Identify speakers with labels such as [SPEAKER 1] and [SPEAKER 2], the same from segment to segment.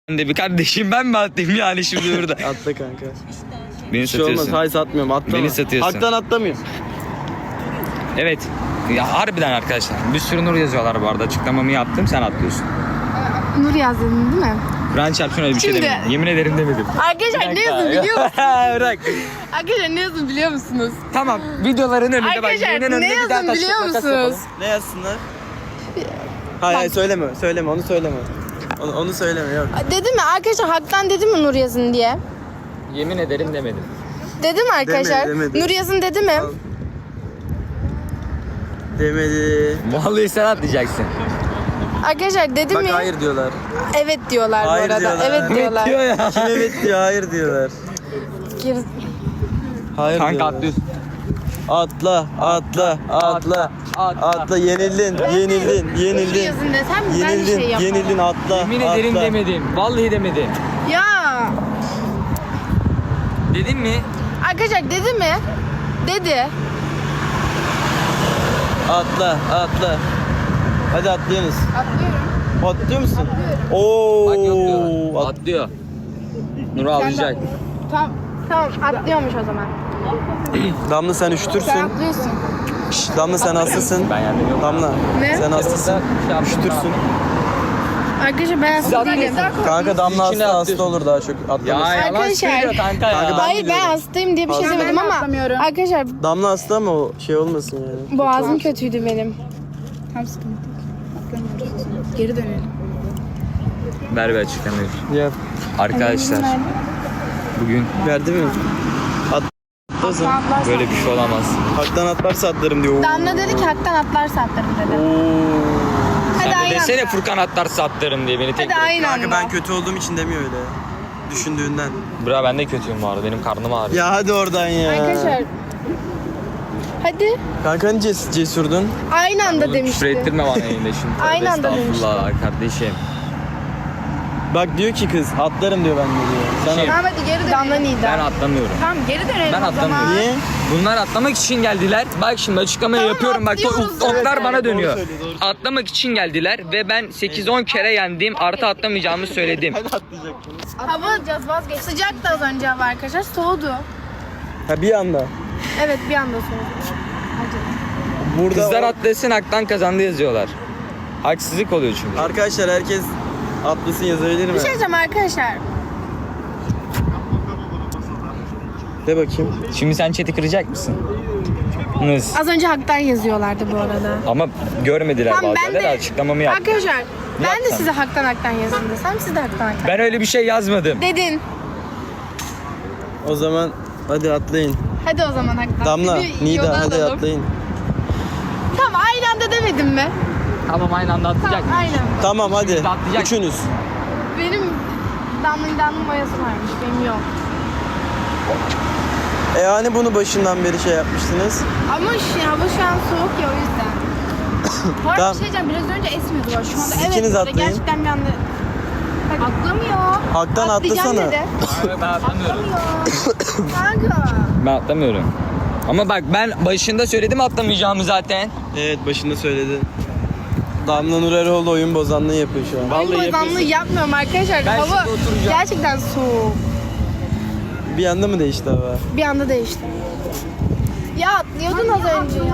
[SPEAKER 1] Bir kardeşim ben mi atlayayım yani şimdi burada?
[SPEAKER 2] Atla kanka.
[SPEAKER 1] Beni
[SPEAKER 2] Bir şey olmaz.
[SPEAKER 1] satıyorsun.
[SPEAKER 2] Hayır satmıyorum. Atlama.
[SPEAKER 1] Beni satıyorsun.
[SPEAKER 2] Haktan atlamıyorum.
[SPEAKER 1] Evet. Ya harbiden arkadaşlar. Bir sürü Nur yazıyorlar bu arada. Açıklamamı yaptım, sen atlıyorsun.
[SPEAKER 3] Nur yazdın değil mi?
[SPEAKER 1] Kur'an çarpsın öyle bir şey
[SPEAKER 3] Şimdi-
[SPEAKER 1] demedim. Yemin ederim demedim.
[SPEAKER 3] Arkadaşlar ne yazın biliyor musunuz?
[SPEAKER 1] Bırak.
[SPEAKER 3] Arkadaşlar ne yazın biliyor musunuz?
[SPEAKER 1] Tamam, videoların önünde bak.
[SPEAKER 3] Arkadaşlar
[SPEAKER 1] yayının önünde
[SPEAKER 3] ne
[SPEAKER 1] bir daha
[SPEAKER 3] yazın
[SPEAKER 1] taş
[SPEAKER 3] biliyor
[SPEAKER 1] makas
[SPEAKER 3] musunuz?
[SPEAKER 1] yapalım.
[SPEAKER 2] Ne yazsınlar? Hayır söyleme. Söyleme onu söyleme. Onu söyleme yok.
[SPEAKER 3] Dedim mi arkadaşlar haktan dedim mi Nur yazın diye?
[SPEAKER 1] Yemin ederim demedim.
[SPEAKER 3] Dedim mi arkadaşlar?
[SPEAKER 2] demedi.
[SPEAKER 3] Nur yazın dedi mi?
[SPEAKER 2] Demedi.
[SPEAKER 1] Vallahi sen atlayacaksın.
[SPEAKER 3] Arkadaşlar dedim
[SPEAKER 2] Bak
[SPEAKER 3] mi?
[SPEAKER 2] hayır diyorlar.
[SPEAKER 3] Evet diyorlar
[SPEAKER 2] Hayır
[SPEAKER 3] bu arada.
[SPEAKER 2] diyorlar.
[SPEAKER 3] Evet diyorlar.
[SPEAKER 1] Diyor ya.
[SPEAKER 2] Kim evet diyor hayır diyorlar.
[SPEAKER 3] Geri-
[SPEAKER 2] Hayır
[SPEAKER 1] Kanka
[SPEAKER 2] diyorlar.
[SPEAKER 1] atlıyorsun.
[SPEAKER 2] Atla, atla, atla, atla, yenildin, yenildin,
[SPEAKER 3] Nur
[SPEAKER 2] yenildin,
[SPEAKER 3] yazın desem ben
[SPEAKER 2] yenildin,
[SPEAKER 3] şey yaparım.
[SPEAKER 2] yenildin, atla,
[SPEAKER 1] Yemin ederim
[SPEAKER 2] atla.
[SPEAKER 1] demedim. Vallahi demedim.
[SPEAKER 3] Ya
[SPEAKER 1] Dedin mi?
[SPEAKER 3] arkadaşlar dedi mi? Dedi.
[SPEAKER 2] Atla, atla. Hadi atlıyorsunuz.
[SPEAKER 3] Atlıyorum.
[SPEAKER 2] Atlıyor musun? Oo.
[SPEAKER 1] Bak yok diyor. Atlıyor. Nur ağlayacak.
[SPEAKER 3] Tamam atlıyormuş o zaman.
[SPEAKER 2] Damla sen
[SPEAKER 3] Sen
[SPEAKER 2] üşütürsün.
[SPEAKER 3] atlıyorsun.
[SPEAKER 2] Şşş, Damla sen hastasın.
[SPEAKER 1] Ben yendim yok.
[SPEAKER 2] Damla
[SPEAKER 3] Ne?
[SPEAKER 2] sen hastasın. Üşütürsün.
[SPEAKER 3] Arkadaşlar ben hasta değilim.
[SPEAKER 2] Kanka Damla
[SPEAKER 1] İçine
[SPEAKER 2] hasta
[SPEAKER 1] atlıyorsun.
[SPEAKER 2] olur daha çok
[SPEAKER 1] Ya
[SPEAKER 2] atlamasın.
[SPEAKER 1] yalan
[SPEAKER 3] Arkadaşlar.
[SPEAKER 1] söylüyor kanka ya.
[SPEAKER 2] Kanka ben
[SPEAKER 3] Hayır ben
[SPEAKER 2] biliyorum.
[SPEAKER 3] hastayım diye bir şey
[SPEAKER 2] Hasta.
[SPEAKER 3] demedim ama arkadaşlar
[SPEAKER 2] Damla hasta ama o şey olmasın yani.
[SPEAKER 3] boğazım kötüydü benim.
[SPEAKER 4] Geri dönelim.
[SPEAKER 1] Ver bir açıklamayı.
[SPEAKER 2] Ya
[SPEAKER 1] Arkadaşlar bugün
[SPEAKER 2] verdi mi? Atlasın.
[SPEAKER 1] böyle bir şey olamaz.
[SPEAKER 2] Haktan atlarsa atlarım diyor.
[SPEAKER 3] Damla dedi ki haktan atlarsa atlarım dedi. Hadi
[SPEAKER 1] Sen de
[SPEAKER 3] aynı
[SPEAKER 1] desene
[SPEAKER 3] anda.
[SPEAKER 1] Furkan atlarsa atlarım diye beni tek
[SPEAKER 3] Hadi
[SPEAKER 1] bırak.
[SPEAKER 3] aynı
[SPEAKER 2] Kanka
[SPEAKER 3] anda.
[SPEAKER 2] ben kötü olduğum için demiyor öyle. Düşündüğünden.
[SPEAKER 1] Bra ben de kötüyüm bu arada. Benim karnım ağrıyor.
[SPEAKER 2] Ya hadi oradan ya.
[SPEAKER 3] Arkadaşlar. Hadi.
[SPEAKER 2] Kanka hani cesurdun?
[SPEAKER 3] Aynı anda
[SPEAKER 1] Oğlum küfür
[SPEAKER 3] demişti.
[SPEAKER 1] ettirme bana yayında şimdi.
[SPEAKER 3] Aynı anda
[SPEAKER 1] Estağfurullah kardeşim.
[SPEAKER 2] Bak diyor ki kız atlarım diyor ben de diyor. Sen
[SPEAKER 1] Şey-
[SPEAKER 4] Tamam hadi geri dönelim.
[SPEAKER 3] Damla
[SPEAKER 1] Ben
[SPEAKER 3] Nida.
[SPEAKER 1] atlamıyorum.
[SPEAKER 4] Tamam geri dönelim
[SPEAKER 1] Ben
[SPEAKER 4] o zaman.
[SPEAKER 1] atlamıyorum.
[SPEAKER 2] Niye?
[SPEAKER 1] Bunlar atlamak için geldiler. Bak şimdi açıklamayı
[SPEAKER 3] Tamam,
[SPEAKER 1] yapıyorum. Bak
[SPEAKER 3] atlıyoruz
[SPEAKER 1] oklar
[SPEAKER 3] zaten.
[SPEAKER 1] bana dönüyor.
[SPEAKER 2] Doğru söylüyor, doğru.
[SPEAKER 1] Atlamak için geldiler ve ben 8-10 kere yendim. Artı atlamayacağımı söyledim.
[SPEAKER 2] Hadi atlayacaksınız.
[SPEAKER 3] Hava sıcak da az önce hava arkadaşlar soğudu.
[SPEAKER 2] Ha bir anda.
[SPEAKER 3] Evet bir anda soğudu.
[SPEAKER 2] Burada
[SPEAKER 1] Kızlar atlasın haktan kazandı yazıyorlar. Haksızlık oluyor çünkü.
[SPEAKER 2] Arkadaşlar herkes atlasın yazabilir mi?
[SPEAKER 3] Bir şey diyeceğim arkadaşlar.
[SPEAKER 2] De bakayım.
[SPEAKER 1] Şimdi sen chat'i kıracak mısın? Nız.
[SPEAKER 3] Az önce haktan yazıyorlardı bu arada.
[SPEAKER 1] Ama görmediler
[SPEAKER 3] Tamam, ben
[SPEAKER 1] bazıları.
[SPEAKER 3] de-
[SPEAKER 1] Açıklamamı yaptım.
[SPEAKER 3] Arkadaşlar ben de
[SPEAKER 1] Yapsana.
[SPEAKER 3] size haktan yazın desem siz de haktan.
[SPEAKER 1] Ben öyle bir şey yazmadım.
[SPEAKER 3] Dedin.
[SPEAKER 2] O zaman hadi atlayın.
[SPEAKER 3] Hadi o zaman haktan.
[SPEAKER 2] Damla,
[SPEAKER 3] Bir yola
[SPEAKER 2] Nida hadi
[SPEAKER 3] alalım.
[SPEAKER 2] atlayın.
[SPEAKER 3] Tamam aynı anda demedim mi?
[SPEAKER 1] Tamam aynı anda atlayacak.
[SPEAKER 3] Tamam aynen.
[SPEAKER 2] Tamam hadi.
[SPEAKER 1] Şimdi atlayacak.
[SPEAKER 2] Üçünüz.
[SPEAKER 3] Benim Damla'nın boyası varmış benim yok.
[SPEAKER 2] Hani bunu başından beri şey yapmıştınız.
[SPEAKER 3] Ama hava şu an soğuk ya o yüzden.
[SPEAKER 4] Bu arada
[SPEAKER 2] Tamam.
[SPEAKER 4] bir şey diyeceğim biraz önce esmiyordu var şu anda.
[SPEAKER 2] Siz
[SPEAKER 3] Evet
[SPEAKER 2] ikiniz
[SPEAKER 3] böyle
[SPEAKER 2] atlayın.
[SPEAKER 3] gerçekten bir anda
[SPEAKER 4] Atlamıyor.
[SPEAKER 2] Haktan
[SPEAKER 3] atlayacağım
[SPEAKER 2] atlasana.
[SPEAKER 3] dedi.
[SPEAKER 1] Ben atlamıyorum.
[SPEAKER 3] Kanka.
[SPEAKER 1] Ben atlamıyorum. Ama bak ben başında söyledim atlamayacağımı zaten.
[SPEAKER 2] Evet başında söyledi. Damla Nur Eroğlu oyun bozanlığı yapıyor şu an.
[SPEAKER 3] Oyun bozanlığı yapmıyorum arkadaşlar.
[SPEAKER 1] Ben
[SPEAKER 3] Hava
[SPEAKER 1] şimdi oturacağım.
[SPEAKER 3] gerçekten soğuk.
[SPEAKER 2] Bir anda mı değişti hava?
[SPEAKER 3] Bir anda değişti. Ya atlıyordun az önce ya.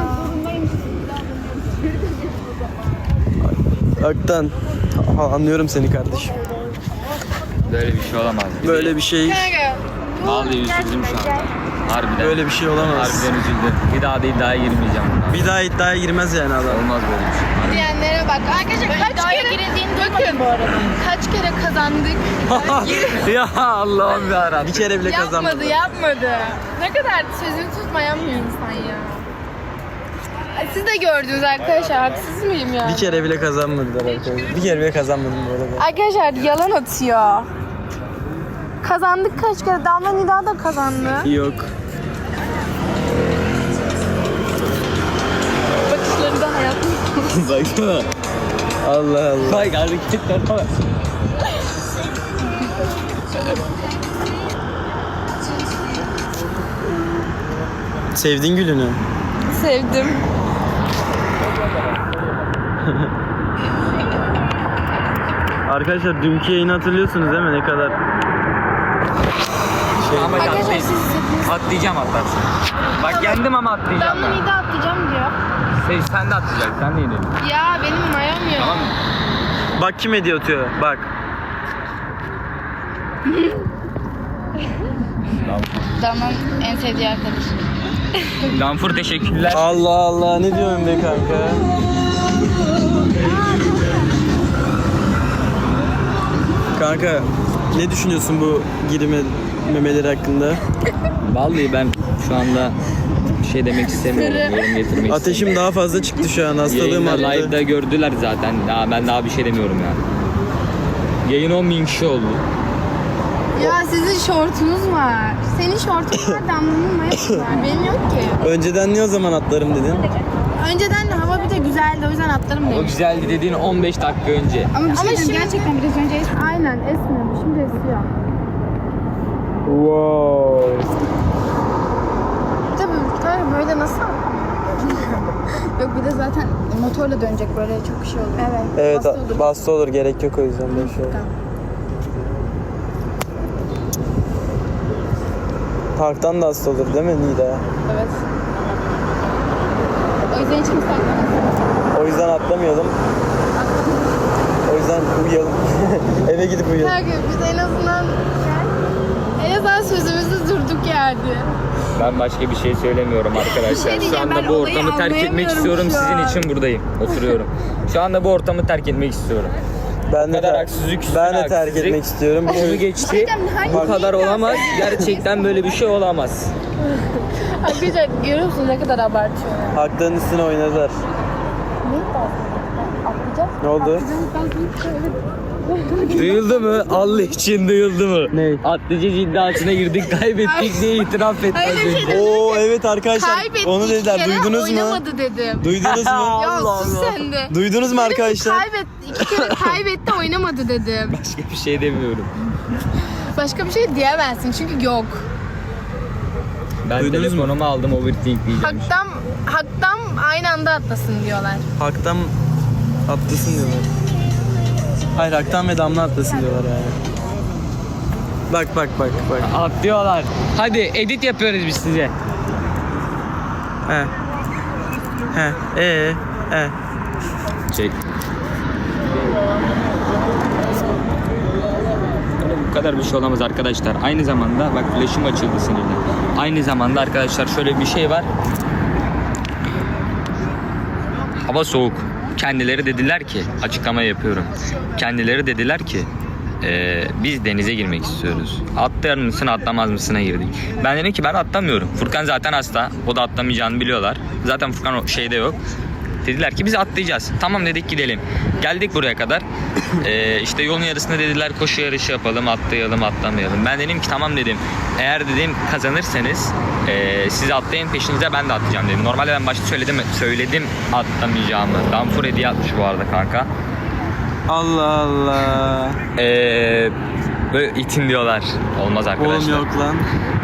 [SPEAKER 2] Haktan. Anlıyorum seni kardeşim.
[SPEAKER 1] Böyle bir şey olamaz.
[SPEAKER 2] Böyle bir şey,
[SPEAKER 3] Kanka. bu
[SPEAKER 1] Vallahi üzüldüm şu
[SPEAKER 3] gerçekten
[SPEAKER 1] anda. Harbiden.
[SPEAKER 2] böyle bir şey olamaz.
[SPEAKER 1] Harbiden üzüldüm. Bir daha da iddiaya girmeyeceğim.
[SPEAKER 2] Bir daha iddiaya girmez yani adam.
[SPEAKER 1] Olmaz böyle bir şey.
[SPEAKER 3] Diyenlere bak. Arkadaşlar kaç
[SPEAKER 4] iddiaya
[SPEAKER 3] kere
[SPEAKER 4] girildiğini
[SPEAKER 3] bakın bu arada. Kaç kere kazandık.
[SPEAKER 1] Ya Allah'ım yarabbim.
[SPEAKER 2] Bir kere bile kazanmadı.
[SPEAKER 3] Yapmadı. Ne kadar sözünü tutmayan bir insan ya. Ay, siz de gördünüz arkadaşlar. Haksız mıyım ya?
[SPEAKER 2] Bir kere bile kazanmadılar arkadaşlar. Bir kere bile kazanmadım bu arada.
[SPEAKER 3] Arkadaşlar yalan atıyor. Kazandık kaç kere? Damla Nida da kazandı.
[SPEAKER 2] Yok.
[SPEAKER 3] Bakışları da hayatım.
[SPEAKER 2] Baksana. Allah Allah.
[SPEAKER 1] Bak hareketler bak.
[SPEAKER 2] Sevdin gülünü. Arkadaşlar dünkü yayını hatırlıyorsunuz değil mi? Ne kadar
[SPEAKER 1] Ama
[SPEAKER 3] Arkadaşlar
[SPEAKER 1] atlayayım.
[SPEAKER 3] siz hepiniz.
[SPEAKER 1] Atlayacağım atlarsın. Bak yendim ama atlayacağım
[SPEAKER 3] Damla
[SPEAKER 1] ben.
[SPEAKER 3] mide atlayacağım diyor.
[SPEAKER 1] Sen de atlayacaksın. Sen de yenelim.
[SPEAKER 3] Ya benim mayom yok.
[SPEAKER 1] Tamam mı?
[SPEAKER 2] Bak kim hediye atıyor. Bak.
[SPEAKER 4] Damla'nın en sevdiği arkadaşı.
[SPEAKER 1] Danfur teşekkürler.
[SPEAKER 2] Allah Allah ne diyorsun be kanka? Kanka ne düşünüyorsun bu girme memeleri hakkında?
[SPEAKER 1] Vallahi ben şu anda bir şey demek istemiyorum. Yorum getirmek
[SPEAKER 2] Ateşim daha fazla çıktı şu an. Hastalığım
[SPEAKER 1] Yayında,
[SPEAKER 2] arttı.
[SPEAKER 1] live'da gördüler zaten. Ben daha bir şey demiyorum yani. Yayın 10.000 kişi oldu.
[SPEAKER 3] Ya sizin şortunuz var. Senin şortun var, Damla'nın mayosu var. Benim yok ki.
[SPEAKER 2] Önceden niye o zaman atlarım dedin?
[SPEAKER 3] Önceden de hava bir de güzeldi, o yüzden atlarım
[SPEAKER 1] O
[SPEAKER 3] dedim.
[SPEAKER 1] güzeldi dediğin 15 dakika önce.
[SPEAKER 4] Ama bir şey
[SPEAKER 3] Ama
[SPEAKER 4] diyeyim,
[SPEAKER 3] şimdi-
[SPEAKER 4] gerçekten biraz önce
[SPEAKER 3] Aynen esmiyor, şimdi esiyor.
[SPEAKER 2] Wow.
[SPEAKER 3] Tabii kanka böyle nasıl?
[SPEAKER 4] yok, bir de zaten motorla dönecek böyle çok şey olur.
[SPEAKER 3] Evet.
[SPEAKER 2] Evet
[SPEAKER 3] hasta olur.
[SPEAKER 2] bastı olur gerek yok o yüzden böyle şey. Parktan da hasta olur değil mi Nida?
[SPEAKER 3] Evet. O yüzden hiç kimse atlamaz.
[SPEAKER 2] O yüzden atlamayalım. O yüzden uyuyalım. Eve gidip uyuyalım.
[SPEAKER 3] Her gün biz en azından sözümüzü durduk yerde.
[SPEAKER 1] Ben başka bir şey söylemiyorum arkadaşlar.
[SPEAKER 3] Bir şey
[SPEAKER 1] Şu
[SPEAKER 3] diyeceğim,
[SPEAKER 1] anda
[SPEAKER 3] ben
[SPEAKER 1] bu
[SPEAKER 3] olayı
[SPEAKER 1] ortamı terk etmek
[SPEAKER 3] anlayamıyorum
[SPEAKER 1] istiyorum.
[SPEAKER 3] şu an.
[SPEAKER 1] Sizin için buradayım. Oturuyorum. Şu anda bu ortamı terk etmek istiyorum.
[SPEAKER 2] Ben de,
[SPEAKER 1] kadar haksızlık üstüne
[SPEAKER 2] ben de terk
[SPEAKER 1] haksızlık.
[SPEAKER 2] etmek istiyorum.
[SPEAKER 1] Onu geçti. Bu kadar olamaz. Gerçekten böyle bir şey olamaz.
[SPEAKER 3] Arkadaşlar görüyor musunuz ne kadar abartıyor ya.
[SPEAKER 2] Hakların üstüne oynadılar. Ne oldu?
[SPEAKER 1] Duyuldu mu? Allah için duyuldu mu?
[SPEAKER 2] Ne?
[SPEAKER 1] Atlayacağız iddiasına girdik, kaybettik diye itiraf etti.
[SPEAKER 3] Öyle bir şey dedim.
[SPEAKER 2] Oo evet arkadaşlar.
[SPEAKER 3] Kaybettik
[SPEAKER 2] Onu dediler.
[SPEAKER 3] iki kere,
[SPEAKER 2] Duydunuz mu?
[SPEAKER 3] oynamadı dedim.
[SPEAKER 2] Duydunuz mu?
[SPEAKER 3] Ya sus sen de.
[SPEAKER 2] Duydunuz mu arkadaşlar?
[SPEAKER 3] Kaybetti. İki kere kaybetti oynamadı dedim.
[SPEAKER 1] Başka bir şey demiyorum.
[SPEAKER 3] Başka bir şey diyemezsin çünkü yok.
[SPEAKER 1] Ben
[SPEAKER 2] Duydunuz mu?
[SPEAKER 1] telefonumu aldım, overthink diyeceğim.
[SPEAKER 3] Haktan aynı anda atlasın diyorlar.
[SPEAKER 2] Hak'tan atlasın diyorlar. Hayır Hak'tan ve Damla atlasın diyorlar yani. Bak bak bak bak.
[SPEAKER 1] Atlıyorlar. Hadi edit yapıyoruz biz size.
[SPEAKER 2] He. He.
[SPEAKER 1] Çek. Bu kadar bir şey olamaz arkadaşlar. Aynı zamanda bak flash'ım açıldı sinirden. Aynı zamanda arkadaşlar şöyle bir şey var. Hava soğuk. Kendileri dediler ki, açıklama yapıyorum. Kendileri dediler ki biz denize girmek istiyoruz. Atlar mısın atlamaz mısına girdik. Ben dedim ki ben atlamıyorum. Furkan zaten hasta. O da atlamayacağını biliyorlar. Zaten Furkan o şeyde yok. Dediler ki biz atlayacağız. Tamam dedik gidelim. Geldik buraya kadar. İşte yolun yarısında dediler koşu yarışı yapalım, atlayalım, atlamayalım. Ben dedim ki tamam dedim. Eğer dedim kazanırsanız siz atlayın peşinize ben de atlayacağım dedim. Normalde ben başta söyledim atlamayacağımı. Danfur hediye atmış bu arada kanka.
[SPEAKER 2] Allah Allah.
[SPEAKER 1] Böyle itin diyorlar. Olmaz arkadaşlar.
[SPEAKER 2] Oğlum yok lan.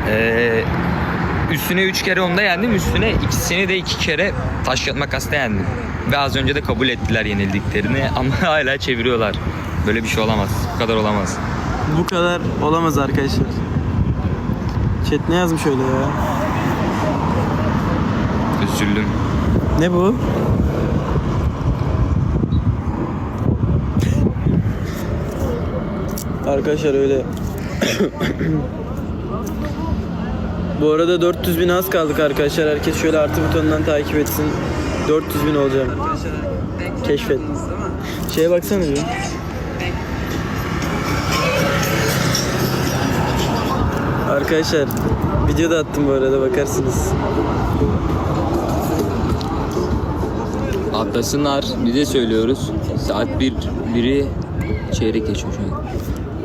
[SPEAKER 1] Üstüne 3 kere onda yendim. Üstüne ikisini de 2 kere taş kağıt makasla yendim. Ve az önce de kabul ettiler yenildiklerini ama hala çeviriyorlar. Böyle bir şey olamaz. Bu kadar olamaz.
[SPEAKER 2] Bu kadar olamaz arkadaşlar. Chat ne yazmış öyle ya?
[SPEAKER 1] Üzüldüm.
[SPEAKER 2] Ne bu? Arkadaşlar öyle. Bu arada 400.000 az kaldık arkadaşlar. Herkes şöyle artı butonundan takip etsin. 400.000 olacağım. Keşfet. Şeye baksana bir. Arkadaşlar video da attım bu arada bakarsınız.
[SPEAKER 1] Atlasınlar. Bize söylüyoruz. Saat 1'i çeyrek geçiyor şu an.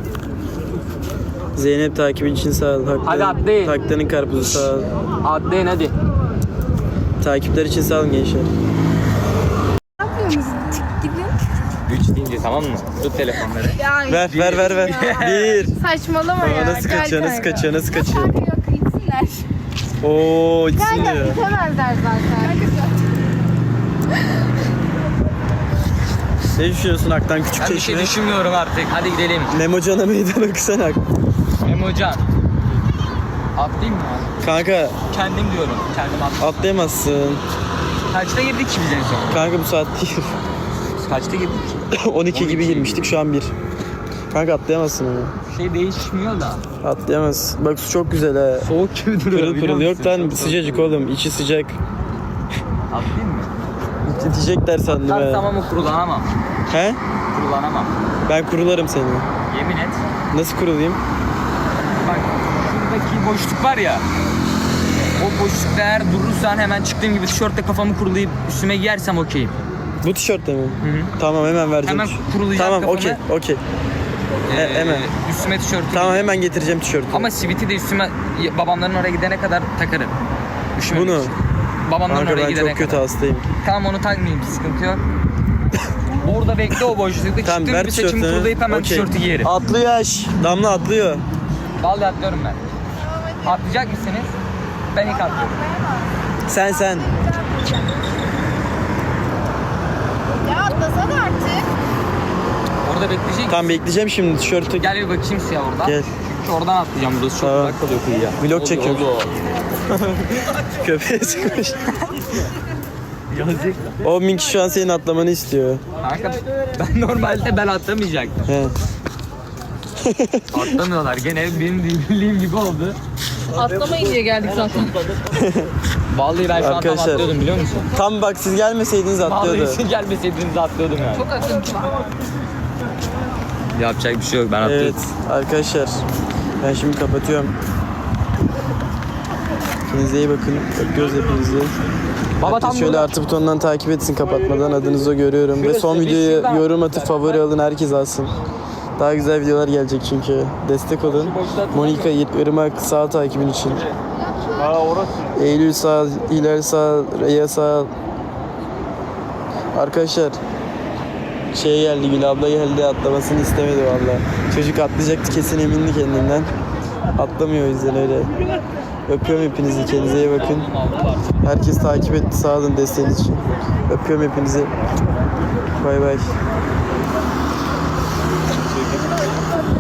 [SPEAKER 2] Zeynep takibin için sağ ol.
[SPEAKER 1] Hadi atlayın.
[SPEAKER 2] Haktanın karpuzu sağ ol.
[SPEAKER 1] Atlayın hadi.
[SPEAKER 2] Takipler için sağ olun gençler.
[SPEAKER 3] Ne yapıyorsunuz? Gidin.
[SPEAKER 1] 3 deyince tamam mı? Tut telefonları.
[SPEAKER 3] Ya
[SPEAKER 2] Ver. Bir.
[SPEAKER 3] saçmalama ya.
[SPEAKER 2] Nasıl
[SPEAKER 3] Gel
[SPEAKER 2] kaçıyor, nasıl
[SPEAKER 3] kanka.
[SPEAKER 2] kaçıyor, nasıl kaçıyor?
[SPEAKER 3] Kanka yok gitsinler.
[SPEAKER 2] Oo, içsin
[SPEAKER 3] Kanka
[SPEAKER 2] diyor.
[SPEAKER 3] itemezler zaten.
[SPEAKER 2] Ne düşünüyorsun Aktan küçük
[SPEAKER 1] Ben bir şey
[SPEAKER 2] çeşme?
[SPEAKER 1] düşünmüyorum artık. Hadi gidelim.
[SPEAKER 2] Memocan'a meydan okusana.
[SPEAKER 1] Memocan. Atlayayım mı?
[SPEAKER 2] Kanka
[SPEAKER 1] Kendim diyorum. Kendim atlayayım.
[SPEAKER 2] atlayamazsın.
[SPEAKER 1] Kaçta girdik ki biz en son?
[SPEAKER 2] Kanka bu saat değil.
[SPEAKER 1] Kaçta girdik?
[SPEAKER 2] 12 gibi girmiştik şu an 1. Kanka atlayamazsın onu.
[SPEAKER 1] Şey değişmiyor da.
[SPEAKER 2] Atlayamazsın. Bak su çok güzel ha.
[SPEAKER 1] Soğuk gibi duruyor.
[SPEAKER 2] Pırıl
[SPEAKER 1] biliyor
[SPEAKER 2] pırıl yok
[SPEAKER 1] musun?
[SPEAKER 2] lan
[SPEAKER 1] Çok
[SPEAKER 2] sıcacık oğlum. İçi sıcak.
[SPEAKER 1] Atlayayım mı?
[SPEAKER 2] Diyecekler sandım
[SPEAKER 1] Her
[SPEAKER 2] ha.
[SPEAKER 1] tamam o kurulanamam.
[SPEAKER 2] He?
[SPEAKER 1] Kurulanamam.
[SPEAKER 2] Ben kurularım seni.
[SPEAKER 1] Yemin et.
[SPEAKER 2] Nasıl kurulayım?
[SPEAKER 1] Bak şuradaki boşluk var ya. O boşlukta eğer durursan hemen çıktığım gibi tişörtle kafamı kurulayıp üstüme giyersem okeyim.
[SPEAKER 2] Bu tişörtle mi?
[SPEAKER 1] Hı.
[SPEAKER 2] Tamam hemen vereceğim.
[SPEAKER 1] Hemen kurulayacağım
[SPEAKER 2] Tamam
[SPEAKER 1] kafamı.
[SPEAKER 2] okey. Hemen.
[SPEAKER 1] Üstüme tişörtü
[SPEAKER 2] Tamam hemen getireceğim tişörtü.
[SPEAKER 1] Ama siviti de üstüme babamların oraya gidene kadar takarım. Üşümemek
[SPEAKER 2] Bunu.
[SPEAKER 1] için. Babamların
[SPEAKER 2] Kanka
[SPEAKER 1] oraya
[SPEAKER 2] ben
[SPEAKER 1] gidene
[SPEAKER 2] çok kötü
[SPEAKER 1] kadar.
[SPEAKER 2] hastayım.
[SPEAKER 1] Tamam onu takmayayım sıkıntı yok. Orada bekle o boşlukta.
[SPEAKER 2] Tamam
[SPEAKER 1] Çıktığım
[SPEAKER 2] ver
[SPEAKER 1] gibi saçımı
[SPEAKER 2] tişörtünü.
[SPEAKER 1] kurulayıp hemen
[SPEAKER 2] Okey.
[SPEAKER 1] tişörtü giyerim.
[SPEAKER 2] Atlıyor yaş. Damla atlıyor.
[SPEAKER 1] Vallahi atlıyorum ben. Atlayacak mısınız? Ben ilk atlıyorum.
[SPEAKER 2] Sen.
[SPEAKER 3] Ya atlasana artık.
[SPEAKER 1] Orada bekleyecek.
[SPEAKER 2] Tamam bekleyeceğim şimdi tişörtü.
[SPEAKER 1] Gel bir bakayım suya oradan.
[SPEAKER 2] Gel.
[SPEAKER 1] Çünkü oradan atlayacağım. Burası çok
[SPEAKER 2] Tamam.
[SPEAKER 1] uzak kalıyor kıyıya.
[SPEAKER 2] Vlog
[SPEAKER 1] Oldu,
[SPEAKER 2] çekiyorum.
[SPEAKER 1] oldu.
[SPEAKER 2] Köpeğe sıkmış.
[SPEAKER 1] Yazık.
[SPEAKER 2] 10 bin kişi şu an senin atlamanı istiyor.
[SPEAKER 1] Kanka ben normalde ben atlamayacaktım.
[SPEAKER 2] He.
[SPEAKER 1] Atlamıyorlar. Gene benim bildiğim gibi oldu.
[SPEAKER 3] Atlamayın diye geldik zaten.
[SPEAKER 1] Vallahi ben şu an tam
[SPEAKER 2] Arkadaşlar.
[SPEAKER 1] atlıyordum biliyor musun?
[SPEAKER 2] Tam bak siz gelmeseydiniz atlıyordu.
[SPEAKER 1] Vallahi siz gelmeseydiniz atlıyordum yani.
[SPEAKER 3] Çok akıntı var.
[SPEAKER 1] Yapacak bir şey yok ben atlıyorum.
[SPEAKER 2] Evet arkadaşlar. Ben şimdi kapatıyorum. Kendinize iyi bakın. Öpüyoruz hepinizi.
[SPEAKER 1] Baba
[SPEAKER 2] Herkes
[SPEAKER 1] tam
[SPEAKER 2] şöyle
[SPEAKER 1] burada.
[SPEAKER 2] artı butonundan takip etsin kapatmadan adınızı görüyorum. Ve son
[SPEAKER 1] Şurası,
[SPEAKER 2] videoyu
[SPEAKER 1] şuradan.
[SPEAKER 2] yorum atıp favori alın herkes alsın. Daha güzel videolar gelecek çünkü. Destek olun. Monika, Irmak sağ takibin için. Eylül sağ, Hilal sağ, Reya sağ. Arkadaşlar şey geldi, Gül abla geldi, atlamasını istemedi valla. Çocuk atlayacaktı kesin emindi kendinden. Atlamıyor o yüzden öyle. Öpüyorum hepinizi, kendinize iyi bakın. Herkes takip etti, sağ olun desteğiniz için. Öpüyorum hepinizi. Bay bay.